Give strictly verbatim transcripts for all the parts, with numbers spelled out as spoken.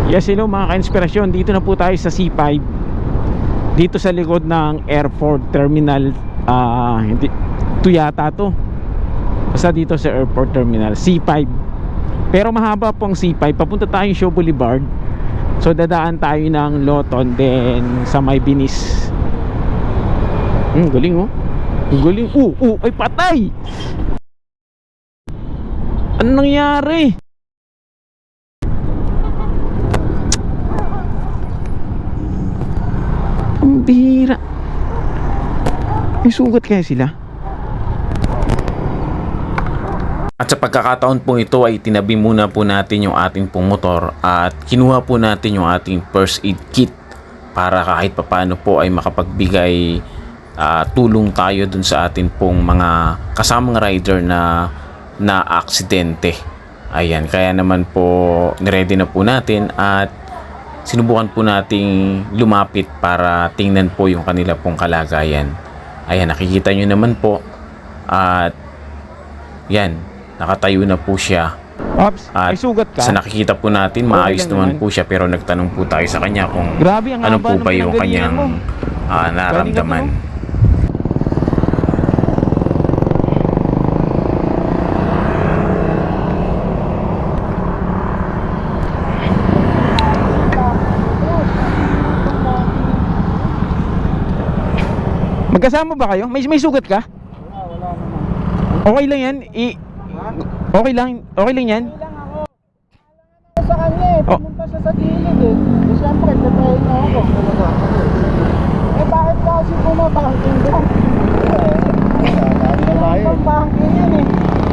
Yes, hello mga ka-inspirasyon. Dito na po tayo sa C five. Dito sa likod ng airport terminal. uh, hindi, Ito yata to. Basta dito sa airport terminal C five. Pero mahaba pong C five. Papunta tayo Shaw Boulevard. So dadaan tayo ng Loton, then sa May Binis. Hmm, galing oh. Galing. Uh, uh, ay patay. Ano nangyari? Ang bihira. May sugat kaya sila? At sa pagkakataon po ito ay tinabi muna po natin yung ating pong motor at kinuha po natin yung ating first aid kit para kahit papano po ay makapagbigay uh, tulong tayo dun sa atin pong mga kasamang rider na na aksidente. Ayan, kaya naman po niready na po natin at sinubukan po nating lumapit para tingnan po yung kanila pong kalagayan. Ayan, nakikita nyo naman po. At yan, nakatayo na po siya. Ops, At may sugat ka? sa nakikita po natin, maayos naman po siya. Pero nagtanong po tayo sa kanya kung Grabe, ang ano haba po ba naman yung ng kanyang galingan uh, naramdaman. Magkasama ba kayo? May, may sugat ka? Wala, wala naman. Okay lang yan? I, okay lang? Okay lang yan? Hindi lang ako. Sa kanya eh, Oh. pumunta siya sa gilid eh. Eh siyempre, tatayin na ako. Talaga ako. Eh bakit ka kasi bumabangking doon? Eh, hindi naman pang banking yan eh.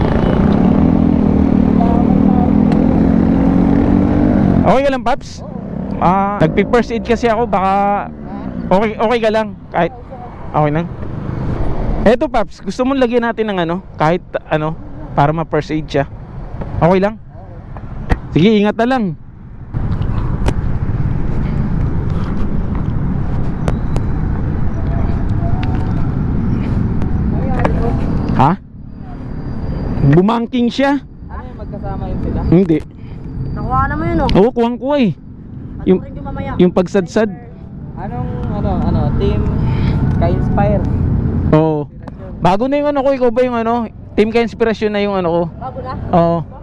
Okay ka lang, Paps? Ah, nagpi-first aid kasi ako, baka okay okay ka lang kahit okay lang. Eto, Paps, gusto mong lagyan natin ng ano, kahit ano, para ma-first aid siya. Okay lang? Sige, ingat na lang. Ha? Bumangking siya? Ano yung magkasama yun sila? Hindi. Nakuha naman yun oh. Oo, kuwang kuha eh. Yung, yung pagsadsad. Anong ano, ano, team ka-inspire? Oo. Bago na yung ano ko, ikaw ba yung ano? Team ka inspirasyon na yung ano ko. Bago na? Oo.